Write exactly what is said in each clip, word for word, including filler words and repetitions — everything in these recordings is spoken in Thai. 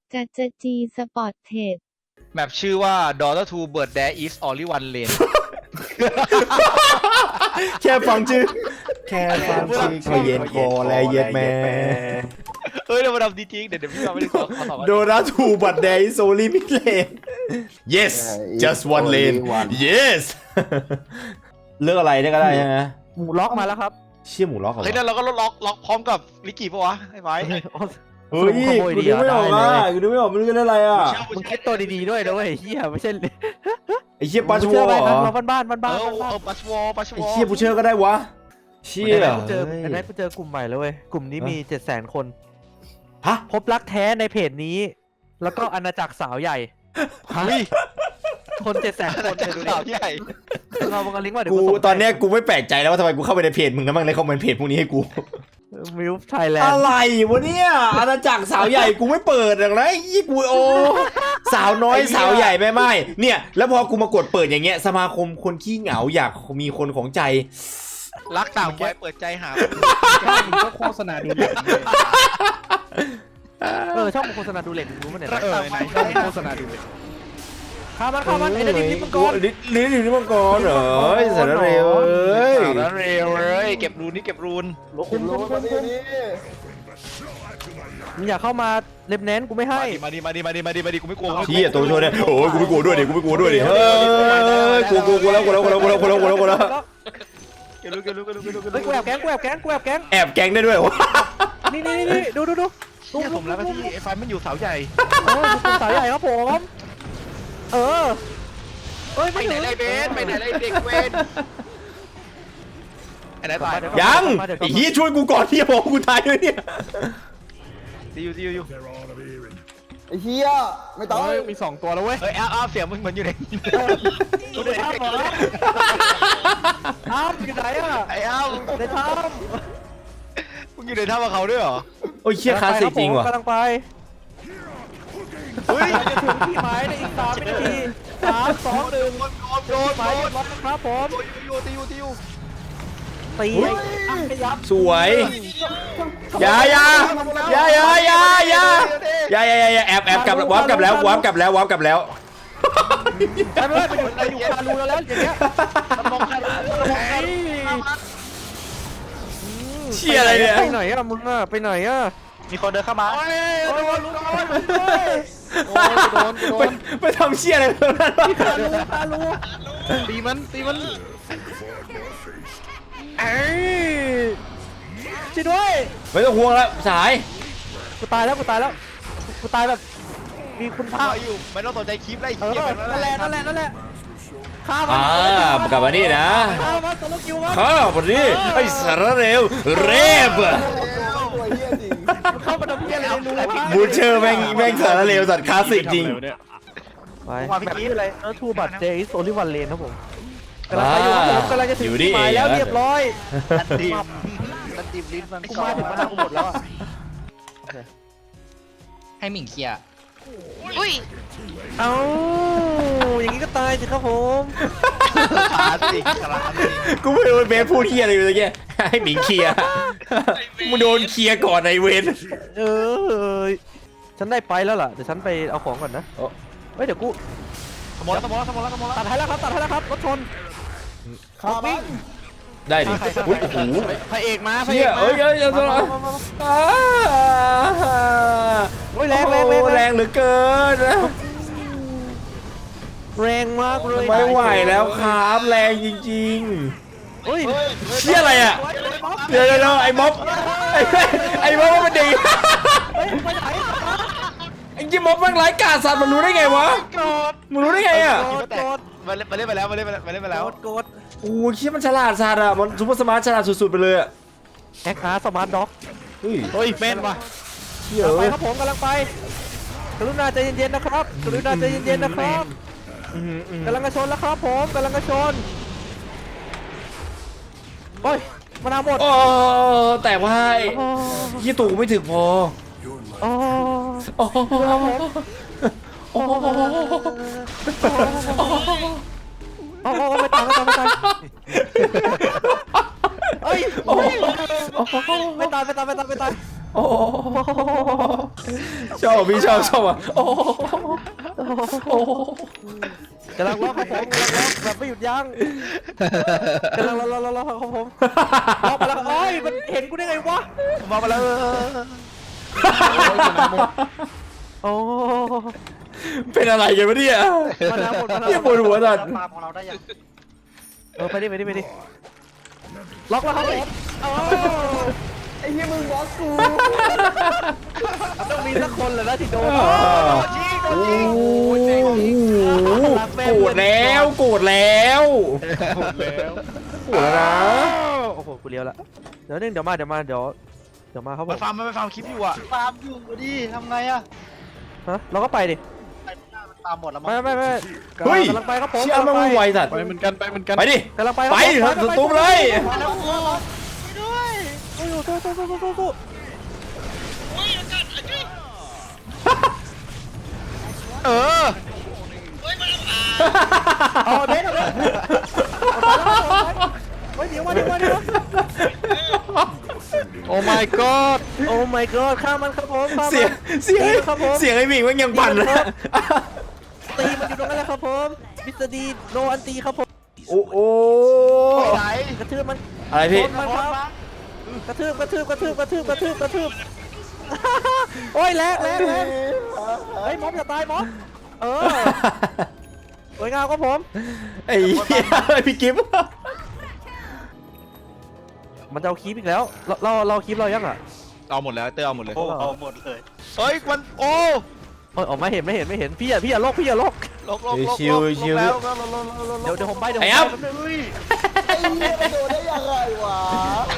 จัจจีสปอร์ตเทรดแมปชื่อว่า Daughter to Bird There is only one lane แค่ฟังชื่อแค่ฟังชื่อก็เย็นคอแล้วเย็นแม่เฮ้ยเดี๋ยวมาทำดีจริงเดี๋ยวเดี๋ยวพี่มาไม่ได้ขอขอตอบโดราทูบัตแดงโซลี่มิดเลน yes just one lane yes เลือกอะไรได้ก็ได้ใช่ไหมหมูล็อกมาแล้วครับเชี่ยหมูล็อกเหรอเฮ้ยนั่นเราก็ล็อกล็อกพร้อมกับลิกกี้ปะวะไอ้ไม้เฮ้ยกูดูไม่ออกอ่ะกูดูไม่ออกมันเล่นอะไรอ่ะมึงคิดตัวดีๆด้วยนะเว้ยเฮียไม่ใช่ไอ้เชี่ยปัชมึงวเชื่ออร์ไหมเหรนะอเราบ้านๆบ้านเออๆบ้านเออปัชวอปัชวไอ้อเชี่ยผู้เชื่อก็ได้วะเชี่ๆยไอ้กูเจอไอ้นั่นกูเจอกลุ่มใหม่แล้วเว้ยกลุ่มนี้มีเจ็ดแสนคนฮะพบรักแท้ในเพจนี้ แล้วก็อาณาจักรสาวใหญ่คนเจ็ดแสนคนจากสาวใหญ่เราบังลิงก์ว่าเดี๋ยวกูส่งตอนเนี้ยกูไม่แปลกใจแล้วว่าทำไมกูเข้าไปในเพจมึงแล้วมั่งเลยคอมเมนต์เพจพวกนี้ให้กูมิวไทยแลนอะด์ไรวะเนี่ยอาณาจักรสาวใหญ่กูไม่เปิดหรอกนะยี่กูโอสาวน้อยสาวใหญ่ไม่ไม่เนี่ยแล้วพอกูมากดเปิดอย่างเงี้ยสมาคมคนขี้เหงาอยากมีคนของใจรักต่างวัยเปิดใจหามึงก็โฆษณาดูเด็กเออช่องโฆษณาดูเล็กรู้มั้ยเนี่ยเออไหนชอบโฆษณาดูเด็กข้ามันข้ามันไอ้นั่นดิบมังกรลิ้นลิ้นอยู่ที่มังกรเหรอไอ้สารเร็วเอ้ยสาวนั้นเร็วเลยเก็บรูนนี่เก็บรูนคุมคุมคุมคุมมึงอยากเข้ามาเล็บแนนกูไม่ให้มาดิมาดิมาดิมาดิมาดิกูไม่กลัวเชี่ยตัวช่วยเนี่ยโอ้ยกูไม่กลัวด้วยดิกูไม่กลัวด้วยดิเฮ้ยกูกูกูแล้วกูแล้วกูแล้วกูแล้วกูแล้วกูแล้วกูแล้วกูแล้วเก็บรูนเก็บรูนเก็บรูนเก็บรูนเฮ้ยกูแอบแก๊งกูแอบแก๊งกูแอบแก๊งแอบแก๊งได้ด้วยวะนี่นี่นี่ดูดูดูเนี่ยผมแล้วที่ไอ้ไฟมันอยู่เสาใหญ่เออดูสาวใหญ่ครับผมเออเอ้ยไปไม่ไหนถึงไรเบสไปไหนไรเด็กเวนไอ้ไหนตายยังไอ้เหี้ยช่วยกูก่อนที่จะบอกกูตายด้วยเนี่ยตีอยู่ตีอยู่ไอ้เหี้ยไม่ต้องเฮ้ยมีสองตัวแล้วเว้ยเฮ้ยอ้าวอ้าวเสียงมึงเหมือนอยู่ในดูในถ้ำเหรอถ้ำอยู่ไหนอ่ะไอ้อ้าวในถ้มึงอยู่ในท่ากับเขาด้วยเหรอโอ้ยำเชี่ยคลาสสิกจริงว่ะกำลังไปเฮ้ยจะถึงที่หมายในอีกสามวินาทีสามสองหนึ่งโดนโดนหมายเรียบร้อยครับผมตีอยู่ตีอยู่ตีอยู่ตีอ่ะขยับสวยอย่าอย่าอย่าอย่าอย่าอย่าอย่าอย่าอย่าแอบแอบกลับวาร์ปกลับแล้ววาร์ปกลับแล้ววาร์ปกลับแล้วไปไปไปอยู่ไปอยู่คารูแล้วแล้วอย่างเงี้ยมองใครมองใครเชี่ยอะไรเนี่ยไปไหนอ่ะมึงอ่ะไปไหนอ่ะมีคนเดินเข้ามาโอ้ยโดนโดนโอ้ยโดนโดไปนไปทำเชี่ยอะไรตรงนั้นวะคารูคารูตีมันตีมันเอ้ยช่วยด้วยไม่ต้องห่วงแล้วสายกูตายแล้วกูตายแล้วกูตายแบบมีคุณภาพอยู่ไม่ต้องสนใจคลิปไล่เออเกียร์นั่นแหละนั่นแหละนั่นแหละข้ามัอ่ากลับมานี่นะข้ามันตัวลูกคิวมันข้าวันนี้ไอ้สารเร็วเรบตัวเหี้ยจริงมันเข้ามาทำเพี้ยอะไรในรูวะบูเชอร์แม่งแม่งสารเร็วสัตว์คลาสสิกจริงไปแบบนี้อะไรเออทูบัตเจอิสโอลิวันเลนครับผมกำลังไปอยู่ครับผมกำลังจะถึงที่หมายแล้วเรียบร้อยตีมตันตีมลิ้นมันกูมาถึงมานาวกูหมดแล้วอ่ะให้หมิงเคลียร์อุ้ยเอ้าอย่างนี้ก็ตายสิครับผมคลาสสิกคลาสสิกกูไม่รู้เบสพูดเฮียอะไรอยู่ตะเกียให้หมิงเคลียร์มึงโดนเคลียร์ก่อนไอเวนเออฉันได้ไปแล้วล่ะเดี๋ยวฉันไปเอาของก่อนนะเฮ้ยเดี๋ยวกูสมองสมองสมองสมองตัดให้แล้วครับตัดให้แล้วครับรถชนขามันได้ดิอุ้ยโอ้โหพระเอกมาพระเชี่เอย กเอ้ยเอ้ยเอ้ยมามามามาโอ้ยแรงแรงแรงแรงเหลือเกินแรงมากเลยไม่ไหวแล้วครับแรงจริงเฮ้ยๆเชี่ยอะไรอ่ะเดี๋ยวเดี๋ยวไอ้ม็อบไอ้ไอ้ม็อบมันดีเฮ้ยไปไหนไอ้ยี่ม็อบมันไร้กาสัตว์มันรู้ได้ไงวะโกรธมึงรู้ได้ไงอ่ะโกดโกดมาเล่นมาเล่นไปแล้วมาเล่นมาเล่นไปแล้วโกดโกดโอ้ยเชี่ยมันฉลาดสัตว์อ่ะมันซูเปอร์สมาร์ทฉลาดสุดๆไปเลยอ่ะแอคอาร์สมาร์ทด็อกเฮ้ยเฮ้ยเป็นว่ะเชี่ยกำลังไปเอ้ยครับผมกำลังไปกรุณาใจเย็นๆนะครับกรุณาใจเย็นๆนะครับกำลังกระชนแล้วครับผมกำลังกระชนโอ้ยมานาวหมดโอ้แต่ว่ายี่ตู่ไม่ถึงพอโอ้โอ้โหโอ้โหโอ้โอ้ไม่ตายไม่ตายไม่ตายเฮ้ยไม่ตายไม่ตายไม่ตายไม่ตายโอ้ชอบพี่ชอบชอบอ่ะโอ้โอ้กำลังล็อกครับผมกำลังล็อกแบบไม่หยุดยั้งกำลังล็อกล็อกล็อกล็อกครับผมล็อกมาแล้วโอ้ยมันเห็นกูได้ไงวะมามาแล้วโอ้เป็นอะไรกันวะเนี่ยมาแล้วหมดมาแล้วเยี่ยปวดหัวจัดปาของเราได้ยังเออไปดิไปดิไปดิล็อกแล้วครับผมโอ้ไอ้เหี้ยมึงบล็อกกูต้องมีสักคนแหละนะที่โดนโอ้โหโกรธแล้วโกรธแล้วโกรธแล้วนะโอ้โหกูเลี้ยวละเดี๋ยวนึงเดี๋ยวมาเดี๋ยวมาเดี๋ยวเดี๋ยวมาครับผมันมฟาร์มมันไปฟาร์มคลิปอยู่อะฟาร์มอยู่ดิทำไงอะฮะเราก็ไปดิไปหน้ามันตามหมดแล้วมั้งไม่ไม่ไม่เฮ้ยกำลังไปครับผมเชี่ยมันไวสัตว์ไปเหมือนกันไปเหมือนกันไปดิกำลังไปไปเถอะตุ้มเลยมาแล้วกูด้วยโอ้ยสู้สู้สู้สู้สู้เออเอาเบสเอาเบสเฮ้ยเดี๋ยวมาเดี๋ยวมาเดี๋ยวโอ้ my god โอ้ my god ข้ามมันครับผมข้ามเสียงเสียงครับผมเสียงไอ้หมิงมันยังปั่นนะตีมันอยู่ตรงนั้นแหละครับผมมิสเตอร์ดีโนอันตีครับผมโอ้โหไหนกระทืบมันอะไรพี่ชนมันครับกระทืบกระทืบกระทืบกระทืบกระทืบกระทืบโอ้ยแรงแรงแรงเฮ้ยม็อบอย่าตายม็อบเออสวยงามครับผมไอ้เหี้ยพี่กิฟต์มันจะเอาคีบอีกแล้ว เราเราเราคีบเรายังอ่ะเอาหมดแล้วเตอร์เอาหมดเลยโอ้เอาหมดเลยเฮ้ยมันโอ้เออออกมาเห็นไม่เห็นไม่เห็นพี่อ่ะพี่อ่ะโลกพี่อ่ะโลกลกลกลกลกแล้วลกลกลกลกเดี๋ยวเดี๋ยวผมไปเดี๋ยวผมไอ้ไปอ๊บแป๊บนึงไอ้เหี้ยมันโดนได้ยังไงวะ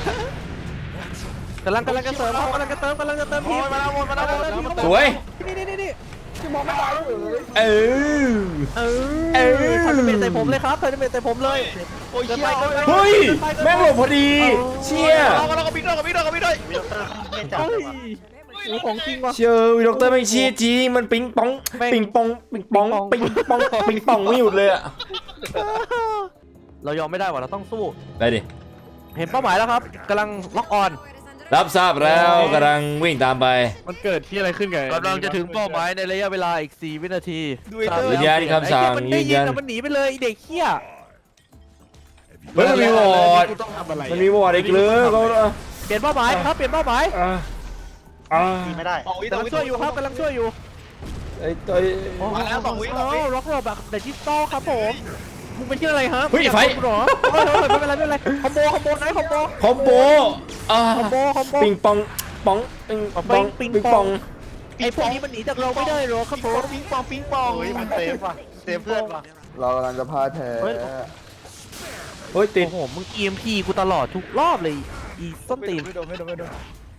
กำลังกำลังจะเสริมครับกำลังจะเติมกำลังจะเติมโอ้พี่ยมาแล้วหมดมาแล้วหมดสวยนี่นี่นี่นี่ที่มองไม่ตายเลยเออเอเอออทำเป็นใส่ผมเลยครับทำเป็นใส่ผมเลยโอ้ยเกินเชี่ไปยเกินไปเฮ้ยแม่งหลบพอดี เชี่ยเราก็เราก็บิ๊กด้วยกับบิ๊กด้วยกับบิ๊กด้วยเฮ้ยโอ้ของจริงว่ะเชื่อวิด็อกเตอร์ไม่เชี่ยจริงมันปิงปองแม่งปิงปองปิงปองปิงปองปิงปองไม่หยุดเลยอะเรายอมไม่ได้ว่ะเราต้องสู้ได้ดิเห็นเป้าหมายแล้วครับกำลังล็อกออนรับทราบแล้วกำลังวิ่งตามไปมันเกิดที่อะไรขึ้นกันกำลังจะถึงเป้าหมายในระยะเวลาอีกสี่วินาทียืนยันคำสั่งไอ้เหี้ยมันได้ยืนยิยันนอะมันหนีไปเลยไอ้เด็กเหี้ยเฮ้ยมันมีวอร์ดกูต้องทำอะไรมันมีวอร์ดอีกเลยเขาเปลี่ยนเป้าหมายครับเปลี่ยนเป้าหมายไม่ได้สองวิกำลังช่วยอยู่ครับกำลังช่วยอยู่ไอ้ตัวมาแล้วสองวิโอ้ล็อกรอบแบบเดจิตอลครับผมมึงเป็นชื่ออะไรฮะเฮ้ยไฟมึงเหรอเฮ้ยเฮ้ยไม่เป็นไรไม่เป็นไรคอมโบคอมโบไหนคอมโบคอมโบอ่าคอมโบคอมโบปิงปองปองปิงปองปิปิงงปปออง งไอ้พวกนี้มันหนีจากเราไม่ได้หรอกครับผมปิงปองปิงปองเฮ้ยมันเซฟว่ะเซฟเพื่อนว่ะเรากำลังจะพ่ายแพ้เฮ้ยติดโอ้โหมึง อี เอ็ม พี กูตลอดทุกรอบเลยอีส้นตีนไม่โดนไม่โดนไม่โดน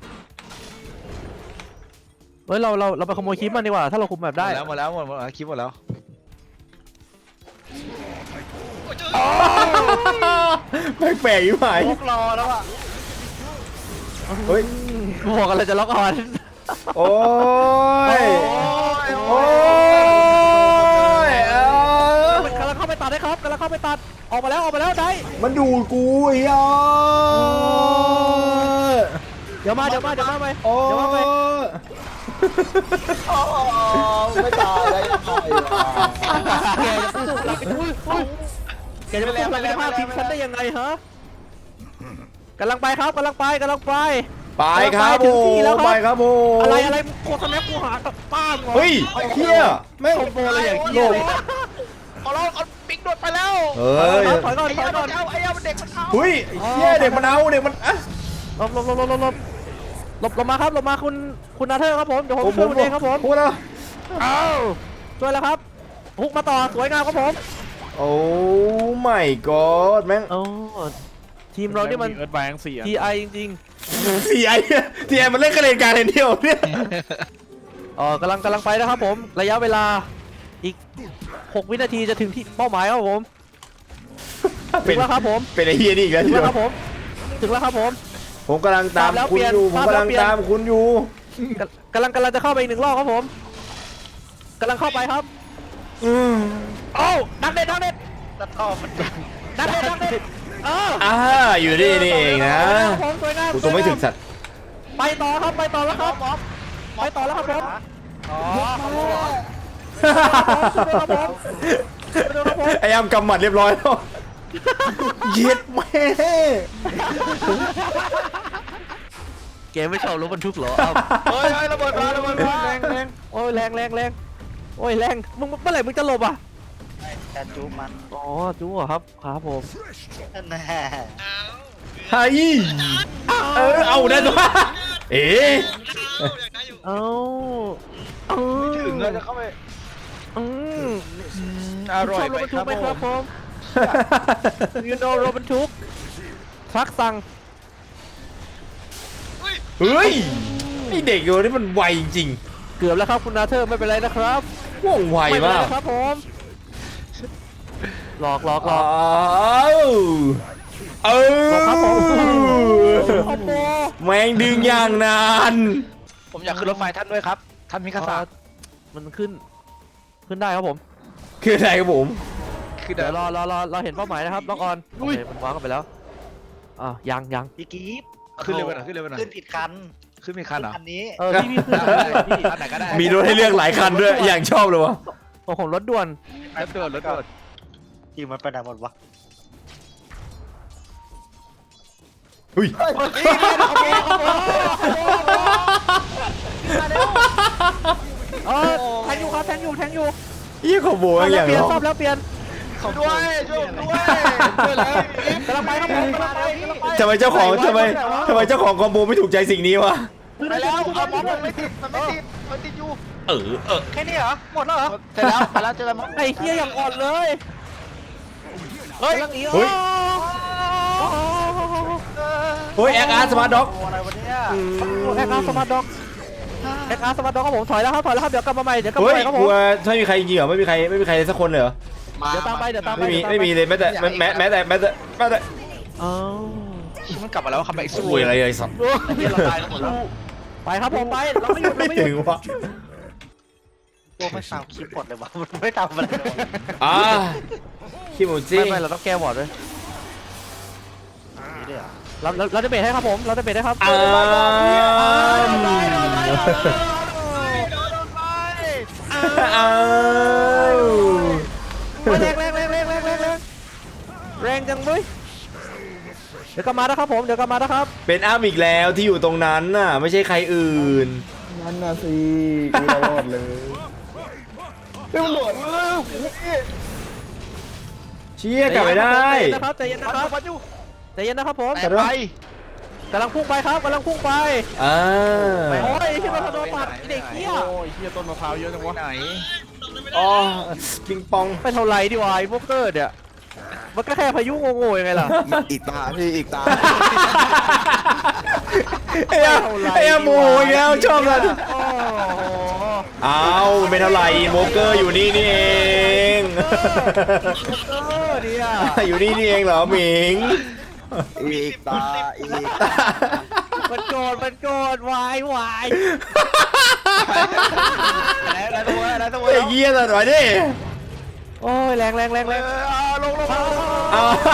เฮ้ยเราเราเราไปขโมยคลิปมันดีกว่าถ้าเราคุมแบบได้หมดแล้วหมดแล้วหมดแล้วคลิปหมดแล้วแปลกๆอยู่ไหมพวกรอแล้วอ่ะเฮ้ยกูบอกอะไรจะล็อกออนโอ้ยโอ้ยเออมันกำลังเข้าไปตัดได้ครับกำลังเข้าไปตัดออกมาแล้วออกมาแล้วได้มันดูดกูไอ้เหี้ยเดี๋ยวมาเดี๋ยวมาเดี๋ยวมาไปโอ้เดี๋ยวมาไปยอ๋อไม่ตายได้ยังไงวะแกจะสู้เราไปอุ้ยอุ้ยแกจะไปสู้เราไปภาพทีมฉันได้ยังไงฮะกำลังไปครับกำลังไปกำลังไปไปครับถึผงที่มแล้วครับไปครับผมอะไรอะไรโคตรแม่กูหาป้ามเหรอเฮ้ยเฮียแม่งคอมโบอะไรอย่างเงี้ยเลยเอาเราเอาปิงโดดไปแล้วเฮ้ยถอยก่อนไอ้ถอยเอาก่อนเอาไอ้เอาเด็กมันเอาเฮ้ยเฮียเด็กมันเอาเด็กมันอ่ะหลบหลบหลบหลบหลบหลบหลบหลบมาครับหลบมาคุณคุณนาเธอร์ครับผมเดี๋ยวผมช่วยคุณเองครับผมพูดแล้วอ้าวช่วยแล้วครับฮุกมาต่อสวยงามครับผมโอ้ไม่กอดแม่งโอ้ทีมเรานี่มันเอิร์ธแบงค์สี่ทีไอจริงทีไอทีไอมันเล่นกระเด็นการเล่นเดียวเนี่ยๆอ๋อกำลังกำลังไปนะครับผมระยะเวลาอีกหกวินาทีจะถึงที่เป้าหมายครับผมถึงแล้วครับผมเป็นไอเฮียนี่อีกแล้วถึงทีแล้วเดียครับผมถึงแล้วครับผมผมกำลังตามตามแล้วคุณอยู่เปผลี่มยนกำลังตามแล้วเปลี่ยนตามคุณอยู่กำลังกำลังจะเข้าไปอีกหนึ่งรอบครับผมกำลังเข้าไปครับอืมโอ้ดักเด็ดดักเด็ดตัดข้อมันดังดักเด็ดดักเด็ดเอออ่าอยู่นี่นี่เองนะผมสวยงามกูตัวไม่ถึงสัตว์ไปต่อครับไปต่อแล้วครับมอมไปต่อแล้วครับผมอ๋อไอ้อ้ำกำหมัดเรียบร้อยแล้วเย็ดแม่เกมไม่ชอบรถบรรทุกเหรอเฮ้ยเฮ้ยระเบิดมาระเบิดมาแรงแรงโอ้ยแรงแรงแรงโอ้ยแรงมึงเมื่อไหร่มึงจะหลบอ่ะแต่จูมันอ๋อจู๋เหรอครับครับผมแน่ไฮ้เออเอาได้ตัวเอ๊ะเอ้าเอ้าถึงแล้วจะเข้าไปอืมอร่อยชอบรไปถบรรคทุรักบไหมครับผผม ม you know รถบรรทุกทรัคสั่งเฮ้ยไอเด็กตัวนี้มันไวจริงเกือบแล้วครับคุณนาเธอร์ไม่เป็นไรนะครับๆว่องไวไม่เป็นไรมากนะครับผมหลอกหลอกหลอ้าอกวเออครับผม คอมโบแมงดึงอย่างนานผมอยากขึ้นรถไฟท่านด้วยครับท่านมิคาซามันขึ้น ขึ้นได้ครับผมคืออะไรครับผมคือเดี๋เดี๋ยยว วรอรอรอเราเห็นเป้าหมายนะครับน้องออนโอเคมันวางกันไปแล้วอ่ะยังยังพี่กีฟขึ้นเร็วไปหน่อยขึ้นเร็วไปหน่อยขึ้นผิดคันขึ้นมีคันเหรอคันนี้เออพี่พี่ขึ้นได้ได้ได้พี่อันไหนก็ได้มีรถให้เลือกหลายคันด้วยอย่างชอบเลยวะโอ้โหรถด่วนรถด่วนรถด่วนทีมันไปไหนหมดวะเฮ้ยเออแทงอยู่ครับแทงอยู่แทงอยู่ยี่ขโมยอย่างเปลี่ยนร้องซ่อมแล้วเปลี่ยนด้วยช่วยผมด้วยช่วยแล้วกำลังไปครับผมกำลังไปกำลังไปทำไมเจ้าของทำไมทำไมเจ้าของคอมโบไม่ถูกใจสิ่งนี้วะไปแล้วเอามอมมันไม่ติดมันไม่ติดมันติดอยู่เออเออแค่นี้เหรอหมดแล้วเหรอเสร็จแล้วไปแล้วเจอแล้วมอมไอ้เหี้ยอย่างอ่อนเลยเฮ้ยกำลังหนีเฮ้ยเฮ้ยแอคอาร์สมาร์ทด็อกอะไรวะเนี่ยแอคอาร์สมาร์ทด็อกแอคอาร์สมาร์ทด็อกครับผมถอยแล้วครับถอยแล้วครับเดี๋ยวกลับมาใหม่เดี๋ยวกลับมาเฮ้ใหยม่ครับกผมลัวไม่มีใครจริงเหรอไม่มีใครไม่มีใครสักคนเลยเหรอเดี๋ยวตามไปเดี๋ยวตามไปไม่มีดี๋วตาไม่มีเลยแม้แต่แม้แม้แม้แต่แม้แต่แม้แต่อ้าวมันกลับมาแล้วคัมแบ็กสู้โอ้ยอะไรเลยสัตว์เฮียเราตายกันหมดแล้วไปครับผมไปเราไม่หยุดเราไม่ไม่หยุถึดงวะโอ้ไม่สาวคลิปหมดเลยวะมันไม่ทำอะไรเลยอ่าคิโมจิไม่ไม่เราต้องแก้บอร์ดด้วยเราเราเราจะเบรกให้ครับผมเราจะเบรกให้ครับอ้ามอ้าวแรงแรงแรงแรงแรงแรงแรงแรงจังเว้ยเดี๋ยวกลับมานะครับผมเดี๋ยวกลับมานะครับเป็นอ้ามอีกแล้วที่อยู่ตรงนั้นน่ะไม่ใช่ใครอื่นนั่นน่ะสิกูตลอดเลยเฮ้ยมันโดดเชี่ยกลับไม่ได้ใจเย็นนะครับใจเย็นนะครับใจเย็นนะครับผมแต่ไปกำลังพุ่งไปครับกำลังพุ่งไปอ่าโอ้ยที่มันโดนปัดไอ้เด็กเหี้ยโอ้ยเฮียต้นมะพร้าวเยอะจังวะไหนอ๋อปิงปองไปเท่าไรดีวะไอ้พวกเกิดเนี่ยมันก็แค่พายุโง่ๆยังไงล่ะอีกตาพี่อีกตาไอ้ยไอ้ยโมโหอีกแล้วชอบเลยโอ้โหเอาไม่เท่าไหร่โมเกอร์อยู่นี่นี่เองเออเนี่ยอยู่นี่นี่เองเหรอหมิงอีกตาอีกมันโกรธมันโกรธวายวายแล้วตัวแล้วตัวไอ้เหี้ยสัตว์วะดิโอ้ยแรงแรงแรงแรงลงลงเอา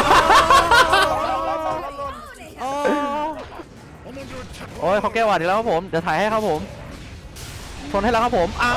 โอ้ยเขาแก้หวัดอีกแล้วครับผมเดี๋ยวถ่ายให้ครับผมชนให้แล้วครับผมอ้าว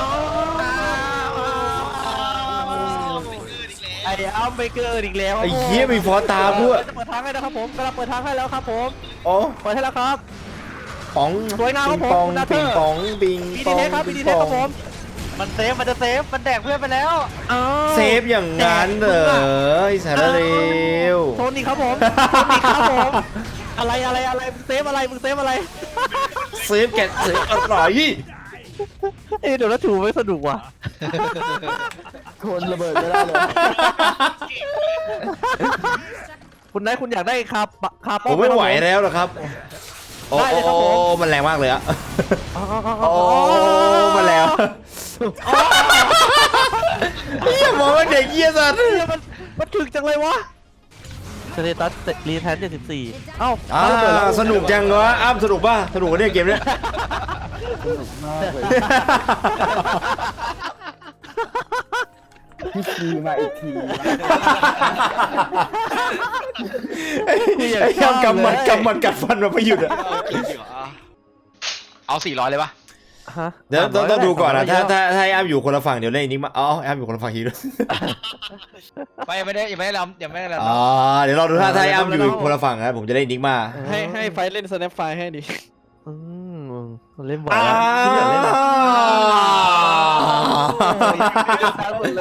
ไอ้อ้าวไม่เกิดอีกแล้วไอ้เหี้ยมีฟอตามด้วยจะเปิดทางให้นะครับผมกำลังเปิดทางให้แล้วครับผมโอ้เปิดให้แล้วครับป๋องสวยงามคปิรับงผมปองคุณนาเธปิอร์งปองปิงบีปดีองเทคครับบีดีเทคครับผมมันเซฟมันจะเซฟมันแดกเพื่อนไปแล้วอ้าวเซฟอย่างนั้นเหรอไอ้สารเลวชนอีกครับผมชนอีกครับผมอะไรอะไรอะไรมึงเซฟอะไรมึงเซฟอะไรเซฟแกะเซฟอร่อยเอ้ยเดี๋ยวแล้วถูไม่สนุกว่ะคนระเบิดไม่ได้เลยคุณนายคุณอยากได้คาปะคาผป้อมไม่ไหวแล้วนะครับ โอ้ได้เลยครับผมโอ้มันแรงมากเลยอะอ๋ออ๋อโอ้อ๋อมาแล้วเฮียมองว่าเด็กเฮียสัตว์เฮ้ยมันมันถึกจังเลยวะสเตตัสรีแทนเจ็ดสิบสี่เอ้าอ่าสนุกจังวะอ้ามสนุกป่ะสนุกกว่าเนี่ยเกมเนี้ยมากเลยพี่ซีมาอีกทีไอ้ไอ้ยำกำมัดกำมัดกัดฟันมาไม่หยุดอะเอาสี่ร้อยเลยปะฮะเดี๋ยวต้องต้องดูก่อนนะถ้าสมร้ยถ้าถ้าไอ้อ้ำอยู่คนละฝั่งเดี๋ยวเล่นอีกนิกมาอ๋อไอ้อ้ำอยู่คนละฝั่งทีด้วยไม่ยังไม่ได้ยังไม่ได้รำยังไม่ได้รำอ๋อเดี๋ยวเราดูถ้าถ้าไอ้อ้ำอยู่คนละฝั่งนะผมจะเล่นอีกนิกมาให้ให้ไฟเล่นสแนปไฟให้ดิอืมเล่นบ่อยอ้าแล้วที่อยากเล่นอะหมดเลย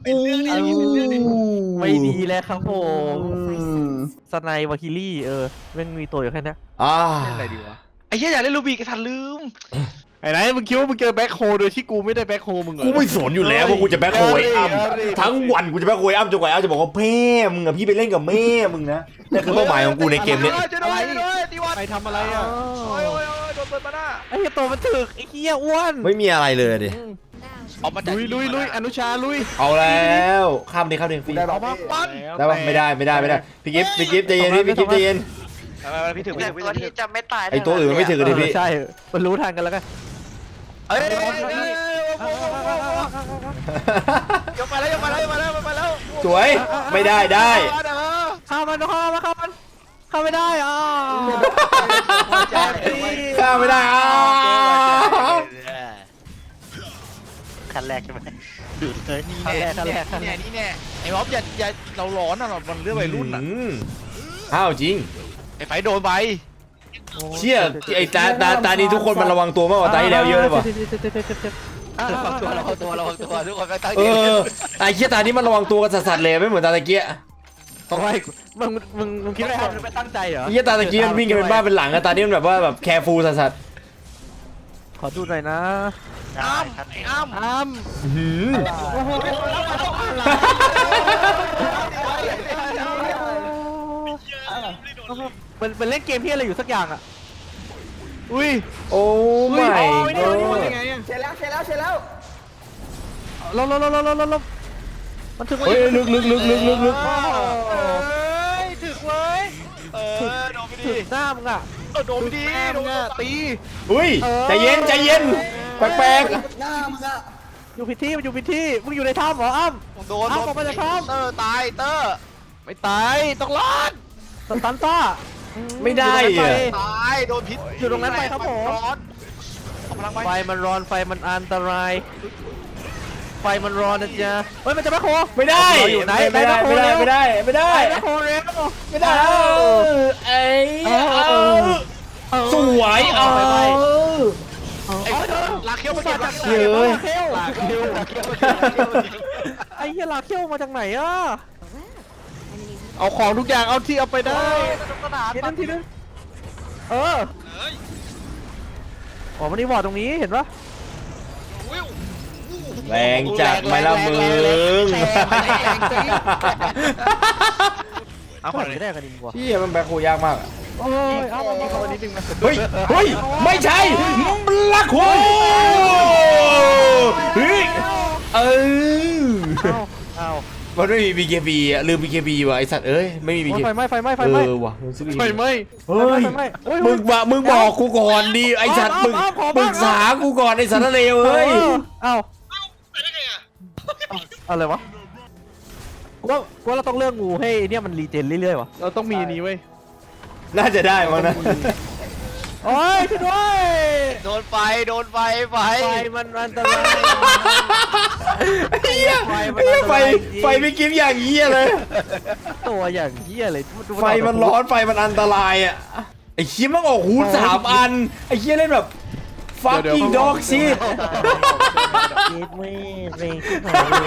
ไม่ดีแล้วครับผมสไนวาคิลี่เออแม่งมีตัวอยู่แค่เนี้ยอ่าเล่นอะไรดีวะไอ้เหี้ยอยากเล่นลูบิกไอ้ทันลืมไอ้ไหนมึงคิดว่ามึงเจอแบ็คโฮโดยที่กูไม่ได้แบ็คโฮมึงเหรอกูไม่สนอยู่แล้วว่ากูจะแบ็คโฮยอ้ำทั้งวันกูจะแบ็คโฮยอ้ำจนกว่าอ้ำจะบอกว่าแม่มึงอะพี่ไปเล่นกับแม่มึงนะนั่นคือเป้าหมายของกูในเกมเนี้ยจะด้วยจะด้วยตีวันใครทำอะไรอ่ะโอ้ยโอ้ยโอ้ยโดนเปิดมาหน้าไอ้เหี้ยตัวมันถึกไอ้เหี้ยอ้วนไม่มีอะไรเลยดิออกมาจากลุยลุยลุยอนุชาลุยเอาแล้วข้ามดิข้ามดิฟรีออกมาปั้นได้ปะไม่ได้ไม่ได้ไม่ได้พี่กิฟต์พี่กิฟต์ใจเย็นพี่พี่กิฟต์ใจเย็นไปไปพี่ถึงพี่ถึงพี่ถึงจะไม่ตายไอตัวอื่นมันไม่ถึงกันดิพี่ใช่มันรู้ทันกันแล้วกันเอ้ยยกมาแล้วยกมาแล้วยกมาแล้วยกมาแล้วสวยไม่ได้ได้เข้ามันเข้ามาเข้ามันเข้าไม่ได้อ่ะข้ามไม่ได้อ้าวคันแรกใช่ไหมนี่แน่นี่แน่นี่แน่นี่แน่ไอ้ม็อบอย่าอย่าเราร้อนอ่ะมันเรื่องวัยรุ่นอ่ะอืมอ้าวจริงไอ้ไฟโดนไปเชี่ยไอ้ตาตาตานี้ทุกคนมันระวังตัวมากกว่าตาที่แล้วเยอะเลยว่ะระวังตัวระวังตัวระวังตัวทุกคนไปตั้งเอใจอไอ้เชี่ยตานี้มันระวังตัวกันสัสๆเลยไม่เหมือนตาตะเกียทำไมมึงมึงมึงคิดว่าไม่ตั้งใจเหรอไอ้เชี่ยตาตะเกียมันวิ่งกันเป็นบ้าเป็นหลังอะตานี้มันแบบว่าแบบแคร์ฟูลสัสขอดูหน่อยนะอ้ำไอ้อ้ำอ้ำๆหืมมันมันเล่นเกมที่อะไรอยู่สักอย่างอ่ะอุ้ยโอ้ไม่เดี๋ยวนี่มันยังไงอ่ะเสร็จแล้วเสร็จแล้วเสร็จแล้วลบลบลบลบลบลบมันถึงเฮ้ยลึกลึกลึกลึกลึกลึกเอ้ยถึกเว้ยเออโดนไปถึดิงหน้ามึงอ่ะเออโดนไปดิโดนตีอุ้ยใจเย็นใจเย็นแปลกอยู่ผิดที่มันอยู่ผิดที่มึงอยู่ในถ้ำเหรออ้ำโดนเอาออกมาจากถ้ำเตอร์ตายเตอร์ไม่ตายต้องรอดสตันซ่าๆไม่ได้อะตายโดนพิษอยู่ตรงนั้นไปครับผมร้อนเอาพลังไปไฟมันร้อนไฟมันอันตราย ไฟมันร้อนนะจ๊ะเฮ้ยมันจะมาโคไม่ได้เราอยู่ไหนไม่ได้ไหนไม่ได้นะโคไม่ได้ไม่ได้ไฟมาโคเร็วไม่ได้เอ้ยเอาสวยเอาไอ้ลากเขี้ยวมาเก็บลากเยเขี้ยวอะลาเขี้ยวลากเขี้ยวลากเขี้ยวไอ้เหี้ยลาเขี้ยวมาจากไหนอ่ะเอาของทุกอย่างเอาที่เอาไปได้ทีนึงทีนึงเอออ๋อมันนี่บอร์ดตรงนี้เห็นปะแรงจัดไหมล่ะมึงเอาขขออง งไม่นี้ได้กันดีกว่าพี่มันแบ็คโคยากมากอะโอ้ยเอามาเข้ามานิดนึงนะเฮ้ยเฮ้ยไม่ใช่ลักโคเฮ้ยเออเอามันไม่มี บี เค บี อ่ะลืม บี เค บี ว่ะไอสัตว์เอ้ยไม่มี บี เคไฟบีไหม้ไฟไหม้ไฟเอไหม้อว่ะมึงซื้อไฟไหมเฮ้ยไฟไหม้โอ้ยมึงบอกมึงบอกกูก่อนดิไอสัตว์มึงเอาเอาเอาปรึกษากูก่อนไอสัตว์เลวเอ้ยเอาอะไรวะกูว่ากูว่าเราต้องเลือกงูให้เนี่ยมันรีเจนเรื่อยๆวะเราต้องมีอันนี้เว้ยน่าจะได้มั้งนะโอ้ยช่วยด้วยโดนไฟโดนไฟไฟไฟมันอันตรายเฮียไฟมันเฮียอันตไฟรายจริงไฟไม่กิฟอย่างเฮียเลยตัวอย่างเหี้ยเลยไฟมันร้อนไฟมันอันตรายอ่ะไอ้เฮียมันออกฮูดสามอันไอ้เฮียเล่นแบบ fucking dog shit เกตเว้ยเรงขึ้นมาเลย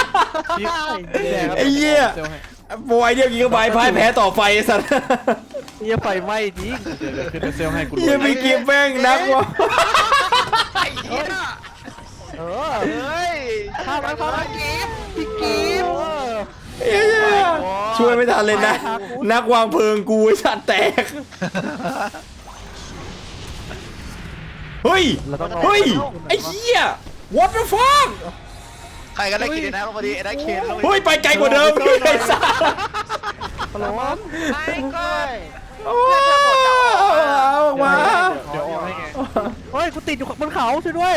ไอ้เหี้ยเดี๋ยวให้โบไอเดียกิกะไบต์พ่ายแพ้ต่อไฟไอ้สัตว์เหี้ยไฟไหม้จริงขึ้นเซลให้กูเฮียไม่กิฟแม่งนักวะไอ้เหี้ยเออเฮ้ยข้ามไปข้ามไปกีบพี่กีบเฮียช่วยไม่ทันเลยนะ นักวางเพลิงกูไอ้สัตว์แตกเฮ้ยเราต้องเฮ้ยไอ้เหี้ย what the fuck ใครก็ได้กินนะพอดีไอ้ได้เคนลงเฮ้ยไปไกลกว่าเดิมไอ้สัตว์ฮัลโหลไอ้ก้อยโอ้เอาออกมาเดี๋ยวออกให้ไงเฮ้ยกูติดอยู่บนเขาช่วยด้วย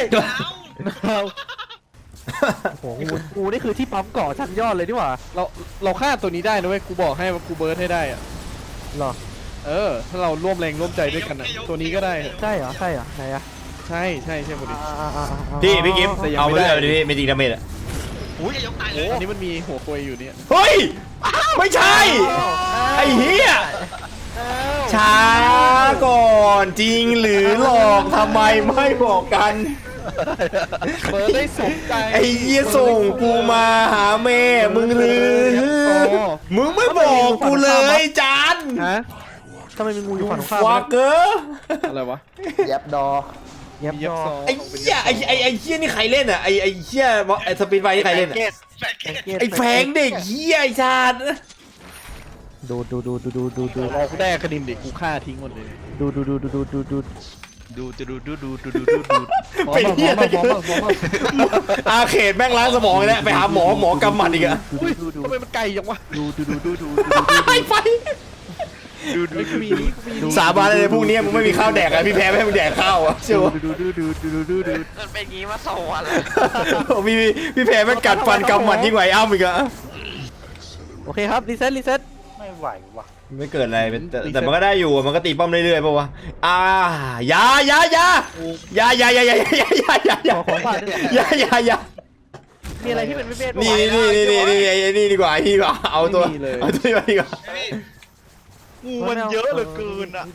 โอ้โหกูกูนี่คือที่ปั๊มเกาะชั้นยอดเลยนี่หว่าเราเราฆ่าตัวนี้ได้นะเว้ยกูบอกให้ว่ากูเบิร์ดให้ได้อะหรอเออถ้าเราร่วมแรงร่วมใจด้วยกันอะตัวนี้ก็ได้ใช่เหรอใช่เหรอไหนอะใช่ใช่ใช่หมดดิพี่พี่กิฟต์เอาไปเลยเอาไปดิพี่ไม่จริงดาเมจอะอุ้ยอย่ายกตายเลโอ้ยอันนี้มันมีหัวโคยอยู่เนี่ยเฮ้ยไม่ใช่ไอ้เหี้ยช้าก่อนจริงหรือหลอกทำไมไม่บอกกันเปิดได้สมใจไอ้เหี้ยส่งกูมาหาแม่มึงหรือมึงไม่บอกกูเลยจันฮะทำไมมีงูอยู่ฝั่งตรงข้ามฟักเกอร์อะไรวะแยบดอเย็บเย็บยอซอไอ้เหี้ยไอ้ไอ้ไอ้เหี้ยนี่ใครเล่นอ่ะไอ้ไอ้เหี้ยไอ้สปีดไฟนี่ใครเล่นอ่ะไอ้แฟงเด็กเหี้ยไอ้ชาติดูดูดูดูดูดูดูรอกูได้คดินเด็กกูฆ่าทิ้งหมดเลยดูดูดูดูดูดูดูดูจะดูดูดูดูดูดูดูเป็นเหี้ยอะไรกันอาเขตแม่งล้างสมองเลยนะไปหาหมอหมอกำหมัดอีกอะอุ้ยทำไมมันไกลจังวะดูดูดูดูดูไอ้ไฟดูดูไม่ดูมีดูนี่กูมีสาบานเลยพรุ่งนี้มึงไม่มีข้าวแดกอะพี่แพ้ไม่ให้มึงแดกข้าวอะเชื่อวะดูดูดูดูดูดูดูมันเป็นงี้มาสองวันพี่พี่แพ้แม่งกัดฟันกำหมัดยิ่งกว่าไอ้อ้ำอีกอะโอเคครับรีเซ็ตรีเซ็ตไม่ไหวว่ะไม่เกิดอะไรแต่แต่มันก็ได้อยู่มันก็ตีป้อมเรื่อยๆป่าวะอ่าอย่าอย่าอย่าอย่าอย่าอย่าอย่าอย่าอย่าอย่าอย่าขอของฝากด้วยอย่าอย่าอย่ามีอะไรที่เป็นไม่เบสนี่นี่นี่นี่นี่นี่นี่ดีกว่านี่ดีกว่าเอาตัวเอาตัวนี้มาดีกว่างูมันเยอะเหลือเกินอ่ะ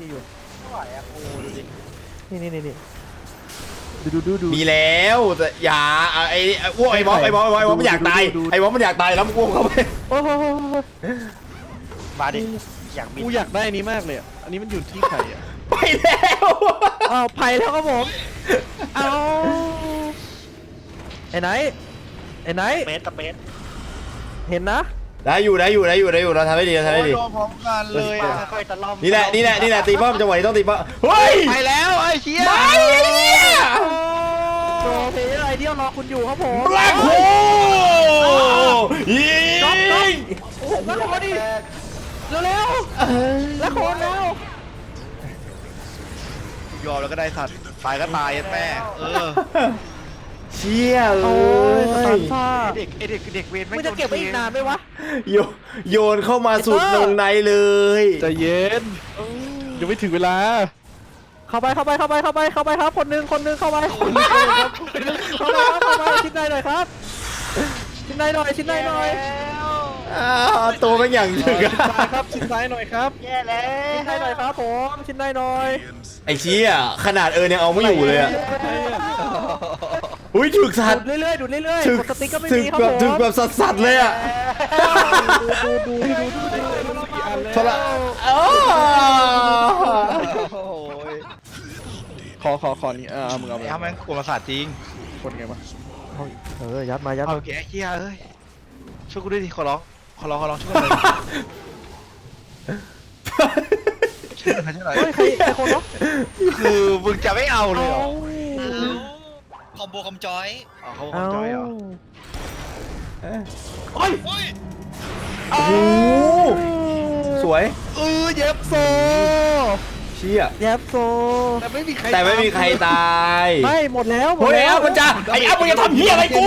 นี่นี่นี่นี่ดูดูดูดูมีแล้วแต่อย่าไอ้ไอ้อ้วกไอ้บอสไอ้บอสไอ้บอสมันอยากตายไอ้บอสมันอยากตายแล้วมึงอ้วกเข้าไปโอ้โหมาดิอยากมีกูอยากได้อันนี้มากเลยอะอันนี้มันอยู่ที่ใครอ่ะไปแล้วอ้าวไผ่แล้วครับผมเอาไอ้ไหนไอ้ไหนเมตรเมตรเห็นนะได้อยู่ได้อยู่ได้อยู่ได้อยู่เราทำได้ดีเราทำได้ดีโดนพร้อมกันเลยอ่ะค่อยๆตะล่อมนี่แหละนี่แหละนี่แหละตีป้อมจังหวะนี้ต้องตีป้อมเฮ้ยไปแล้วไอ้เชี่ยไม่เนี่ยโปรเพย์ไอเดียรอคุณอยู่ครับผมแบล็คโฮยิงแล้วโคนดิเร็วเร็วแล้วโคนแล้วยอมแล้วก็ได้สัตว์ตายก็ตายแม่เออเชี่ยเลโอ้ยสตาร์ยซ่าเด็กไอเด็กเด็กเวรไม่จะเก็บไว้อีกนานไหมวะโยโยนเข้ามาสุดวงในเลยใจเย็นยังไม่ถึงเวลาเข้าไปเข้าไปเข้าไปเข้าไปเข้าไปครับคนหนึ่งคนหนึ่งเข้าไปคนหนึ่งเข้าไปครับเข้าไปครับเข้าไปชิ้นในหน่อยครับชิ้นในหน่อยชิ้นในหน่อยอ้าวตัวเป็นอย่างถึงอะซ้ายครับชิดซ้ายหน่อยครับแย่แล้วชิ้นในหน่อยครับผมชิ้นในหน่อยไอ้เชี่ยขนาดเอิญยังเอาไม่อยู่เลยอะอุ้ยถึกสัตดูว์ดเรื่อยๆดูดเรื่อยถึกๆกดสติ๊กก็ไม่ถึกมีครับแบบผมถึกแบบสัสๆเลยอะดูดูดูดูดูดูโทรอ๋อโอ้ยขอขอขอนี่เออเอามึงเอาไปไอ้ทำแม่งกลัวมาศาสตร์จริงคนไงวะเออยัดมายัดเอาแกเชี่ยเอ้ยช่วยกูด้วยดิขอร้องขอร้องขอร้องช่วยกูหน่อยช่วยหน่อยช่วยหน่อยเฮ้ยใครใครคนเนาะคือมึงจะไม่เอาเลยเหรอคอมโบคอมจอยอ๋อเขาเอาจอยเหรอโอ้โหสวยเออเย็บโซเชี่ยแย็บโซแต่ไม่มีใครแต่ไม่มีใครตายไม่หมดแล้วหมเฮ้ดยแล้วอ้ำมันจะไอ้อ้ำมันจะทำเฮียอะไรกู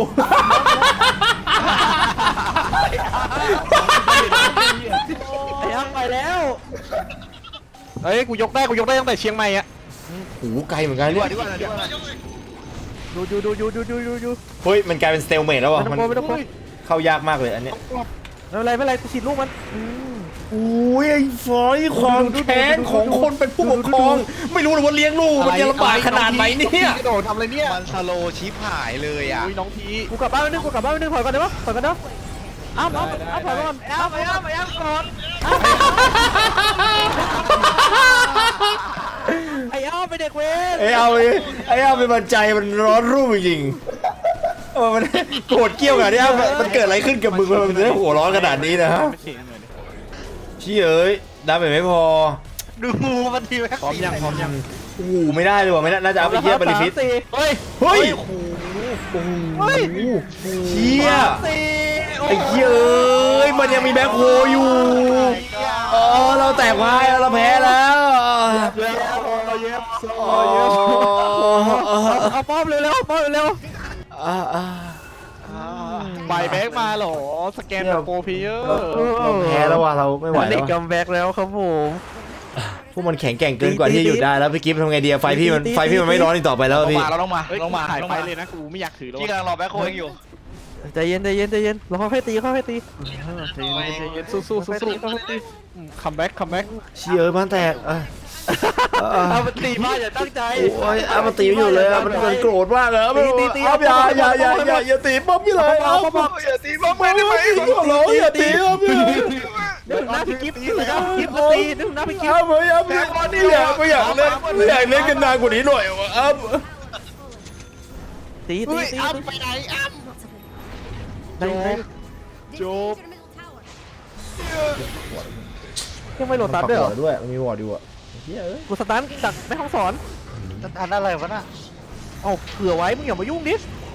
ไอ้อ้ำไปแล้วเอ้ยกูยกได้กูยกได้ตั้งแต่เชียงใหม่อะโอ้โหไกลเหมือนกันดีกเนี่ยว่าดีกว่าดีกว่าดูดูดูดูดูดูดูดูเฮ้ยมันกลายเป็นสเตลเมทแล้วไม่ว่ะต้องมันกลัวไม่ต้องกลัวเข้ายากมากเลยอันเนี้ยไม่เป็นไรไม่เป็นไรกูฉีดลูกมันอืมอุ้ยไอ้ฟอยความแค้นของคนเป็นผู้ปกครอง ไม่รู้เลยว่าเลี้ยงลูกมันจะลำบากขนาดไหนเนี่ยกระโดดทำอะไรเนี่ยมันสโลชิปหายเลยอ่ะอุ้ยน้องพีกูกลับบ้านไปนึงกูกลับบ้านไปนึงถอยก่อนได้ปะถอยก่อนเนาะอ้ำอ้ำอ้ำถอยก่อนอ้ำอ้ำอ้ำก่อนไอ้อ้ำไปเด็กเวรไอ้เอาไอ้เอาเป็นบันใจมันร้อนรุ่มจริงๆเออมันโกรธเกรี้ยวขนาดนี้มันเกิดอะไรขึ้นกับมึงมันถึงได้หัวร้อนขนาดนี้นะฮะไม่เสียงเลยดิชี้เอ้ยดาเมจไม่พอดูมันทีแม็กพร้อมยังพร้อมยังโอ้โหไม่ได้เลยว่ะไม่น่าน่าจะเอาไปเยี่ยบริฟิตสามสี่เฮ้ยเฮ้ยโอ้โหโอ้โหเชี่ยสี่ไอ้เหี้ยเอ้ยมันยังมีแบ็คโฮอยู่อ๋อเราแตกไม้เราแพ้แล้วเย็บเย็บโซอ๋อเย็บเอาป้อมเร็วเร็วป้อมเร็วอ่าอ่าใบแบ็กมาเหรอสแกนแบบโปรเพเยอร์เราแพ้แล้วว่ะเราไม่ไหวเด็แล้กวกัมแบ็กแล้วครับผมพวกมันแข็งแกร่งเกินกว่าที่จะหยุดได้แล้วพี่กิฟต์ทำไงดีอะไฟพี่มันไฟพี่มันไม่ร้อนอีกต่อไปแล้วลงพี่มาเราลงมาเฮ้ยลงมาถ่ายลงไปมาเลยนะกูไม่อยากถือแล้วพี่กำลังรอแบ็คโฮเองอยู่ใจเย็นใจเย็นใจเย็นรอค่อยๆตีค่อยๆตีใจเย็นใจเย็นสู้สู้สู้สู้คัมแบ็กคัมแบ็กเชียร์บ้านแตกอ่ะอ่ะเอามันตีมาอย่าตั้งใจโอ้ยอ่ะมันตีไม่อยู่เลยอ่ะมันมันโกรธมากเลยอ่ะมันอ่ะอย่าอย่าอย่าอย่าอย่าตีป๊อปพี่เลยอ่ะอย่าตีบ้องไม่ได้ไหมขอร้องอย่าตีป๊อปพี่เลยเดี๋ยวหน้าพี่กิฟต์เดี๋ยวหน้าพี่กิฟต์มาตีเดี๋ยวหน้าพี่กิฟอ้าต์วไม่เอาไม่อยากไม่อยากเล่นไม่อยากเล่นกันนานกว่านี้หน่อยวะอ้าวตีตีตีอ้ำไปไหนอ้ำได้ไหมจบยังไม่โหลดตัดด้วยเหรอด้วยมันมีวอร์ดอยู่อ่ะเฮ้ยเอ้ยกูสตาร์ทจากแม่ห้องสอนอันอะไรวะน่ะเอาเผื่อไว้มึงอย่ามายุ่งดิ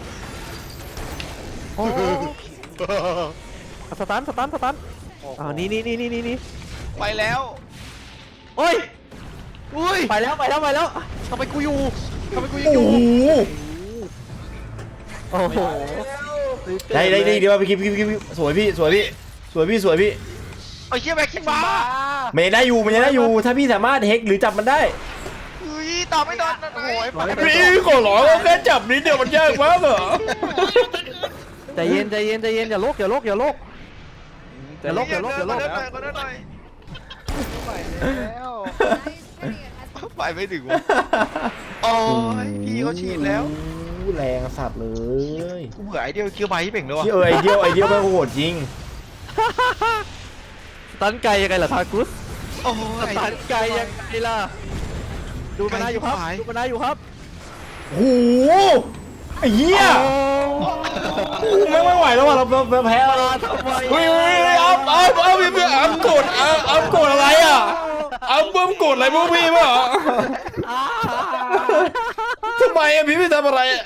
โอ้สตาร์ทสตาร์ทสตาร์ทอ่านี่นี่นี่นี่นี่ไปแล้วโอ้ยอุ้ยไปแล้วไปแล้วไปแล้วทำไมกูอยู่ทำไมกูยังโอ้อยู่โหโอ้โหได้ได้ได้เดี๋ยวพี่กิ๊บพี่กิ๊บสวยพี่สวยพี่สวยพี่สวยพี่ไอ้เชี่ยแบ็คคิงบ้ามันยังได้อยู่มันยังได้อยู่ถ้าพี่สามารถเฮกหรือจับมันได้อุ้ยตอบไม่โดนโอ้ยไปพี่ขอร้องแค่จับนิดเดียวมันยากมากเหรอใจเย็นใจเย็นใจเย็นอย่าโลกอย่าโลกอย่าโลกอย่าโลกอย่าโลกอย่าโลกก็ได้หน่อยไปแล้วไปไม่ถึงวะโอ้ยพี่เขาฉีดแล้วแรงสัตว์เลยกูเบื่อไอเดียคิวไบที่เป่งเลยวะที่เออไอเดียวไอเดียวแม่งโหดจริงตันไกลยังไงล่ะทากุสโอ้ยตันไกลยังไงล่ะดูมานาอยู่ครับดูมานาอยู่ครับโอ้โหไอ้เหี้ยไม่ไม่ไหวแล้วว่ะเราเราแพ้แล้วทำไมเฮ้ยเฮ้ยอัพอัพอัพพี่อัพกดอัพอัพกดอะไรอ่ะอัพเบิ้มกดอะไรพวกพี่ป่ะทำไมอ่ะพี่ไม่ทำอะไรอ่ะ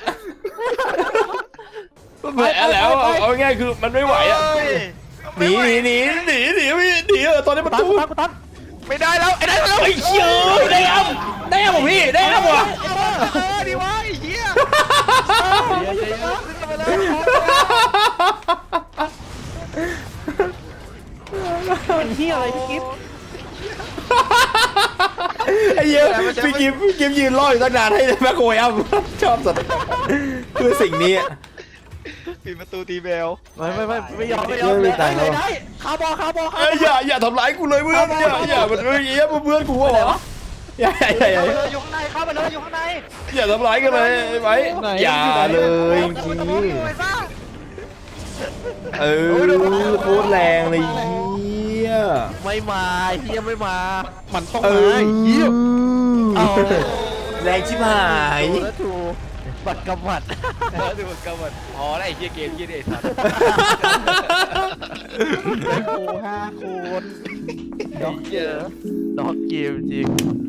แพ้แล้วเอาเอาง่ายคือมันไม่ไหวอ่ะหนีหนีหนีหนีหนีพี่หนีเออตอนนี้ประตันตูตันตันไม่ได้แล้วไอ้ได้แล้วไอ้เชี่ยได้อัพได้อัพของพี่ได้อัพว่ะเออดีวะไอ้เหี้ยเป็นที่อะไรพี่กิฟต์ไอ้เหี้ยพี่กิฟพี่กิฟยืนรออยู่ตั้งนานให้แม่โกยอัพชอบสุดคือสิ่งนี้ปิดประตูตีเบลไม่ไม่ไม่ไม่ยอมไม่ยอมเลยได้ได้คาร์บอคาร์บอคาเอ้ยร์บออย่าอย่าทำร้ายกูเลยเพื่อนอย่าอย่ามันเหี้ยเพื่อนกูเหรออย่าอย่าอย่าอยู่ข้างในเข้าไปเลยอยู่ข้างในอย่าทำร้ายกันเลยไหมอย่าเลยจริงเออโคตรแรงเลยเหี้ยไม่มาเฮียไม่มามันต้องเอมาอเหี้ยเอาแรงชิบหายแล้วถูกบัตรกำบัดเออดูกำมันอ๋อไอ้เหี้ยเกมเหี้ยเด็ดสัตว์โอ้ห้าคนด็อกเกมด็อกเกมจริง